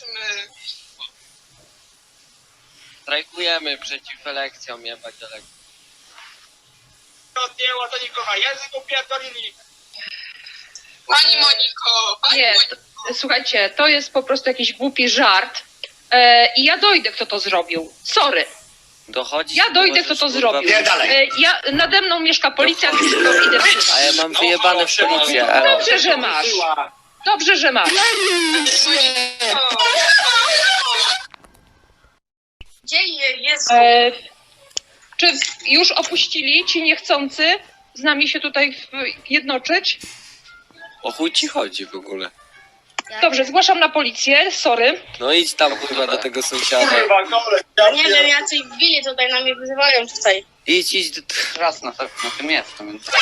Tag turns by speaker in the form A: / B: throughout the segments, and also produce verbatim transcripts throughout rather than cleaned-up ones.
A: Zobaczymy.
B: Strajkujemy przeciw elekcjom, jebać elekcjom.
C: Odjęło to nikogo, język upierdolili.
A: Pani Moniko, pani
D: Nie,
A: Moniko.
D: to, słuchajcie, to jest po prostu jakiś głupi żart. E, I ja dojdę, kto to zrobił. Sorry.
B: Dochodzi.
D: Ja dojdę, kto to zrobił.
C: Nie, dalej.
D: E, ja, nade mną mieszka policja, więc to idę
B: A ja mam wyjebane w policję.
D: No
B: elo.
D: dobrze, że masz. Dobrze, że masz.
A: Gdzie je- jest?
D: E, czy już opuścili ci niechcący z nami się tutaj w- jednoczyć?
B: O chuj ci chodzi w ogóle.
D: Dobrze, zgłaszam na policję, sorry.
B: No idź tam kurwa do tego sąsiada.
C: Kurwa, kolej.
E: Nie wiem, jacyś bili tutaj na mnie wyzywają tutaj.
B: Idź, idź do...
F: Raz na, na tym jestem, więc...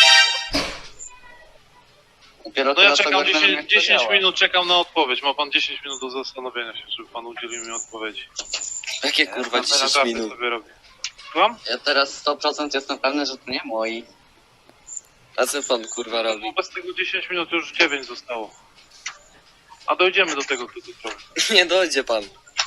F: Dopiero
G: No ja
F: teraz
G: czekam
F: ogarnąłem, jak
G: dziesięć,
F: to
G: dziesięć
F: działa.
G: minut, czekam na odpowiedź. Ma pan dziesięć minut do zastanowienia się, żeby pan udzielił mi odpowiedzi.
B: Jakie kurwa
F: Ja
B: dziesięć
G: Naprawdę
B: minut?
G: sobie robię. Słucham?
F: Ja teraz sto procent jestem pewny, że to nie moi.
B: A co pan kurwa robi?
G: Wobec tego dziesięć minut już dziewięć zostało. A dojdziemy do tego, kto to zrobił.
B: Nie dojdzie pan.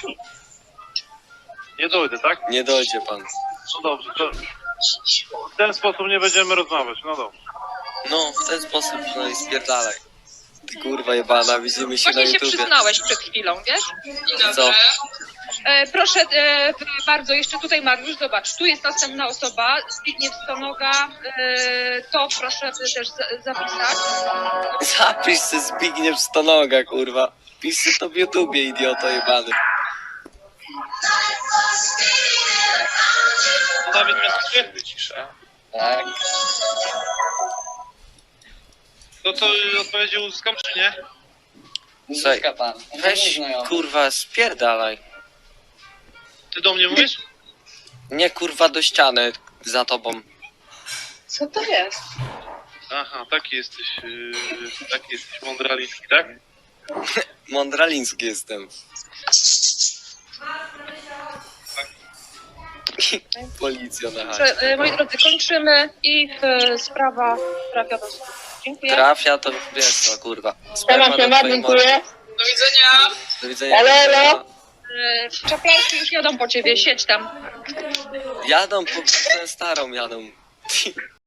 G: Nie dojdę, tak?
B: Nie dojdzie pan.
G: No dobrze, to w ten sposób nie będziemy rozmawiać, no dobrze.
B: No, w ten sposób, no i spierdalaj. Ty kurwa jebana, widzimy się na
D: Właśnie się
B: YouTubie.
D: przyznałeś przed chwilą, wiesz?
A: Dzień
B: Co?
A: dobry.
D: E, proszę e, bardzo, jeszcze tutaj Mariusz, zobacz, tu jest następna osoba, Zbigniew Stonoga, e, to proszę też za, zapisać.
B: Zapisz se Zbigniew Stonoga, kurwa. Pisz se to w YouTubie, idioto jebany.
G: Dawid miał stwierdzić ciszę.
F: Tak.
G: To co, odpowiedzi uzyskam czy nie?
B: Słuchaj,
F: Uzyska pan.
B: Weź, kurwa, spierdalaj.
G: Ty do mnie mówisz?
B: Nie, kurwa, do ściany za tobą.
D: Co to jest?
G: Aha, taki jesteś, yy, taki jesteś mądralicki, tak?
B: Mądraliński jestem. Policja na chacie.
D: Proszę, e, moi drodzy, kończymy i e, sprawa trafia do sądu. Dziękuję.
B: Trafia to wiesz co, kurwa.
E: Siema,
B: Sperma do
E: siema,
B: twojej mordy.
E: dziękuję.
A: Do widzenia.
B: Do widzenia.
E: Elo, elo.
D: E, Czaplarki już jadą po ciebie, siedź tam.
B: Jadą po twoją starą, jadą.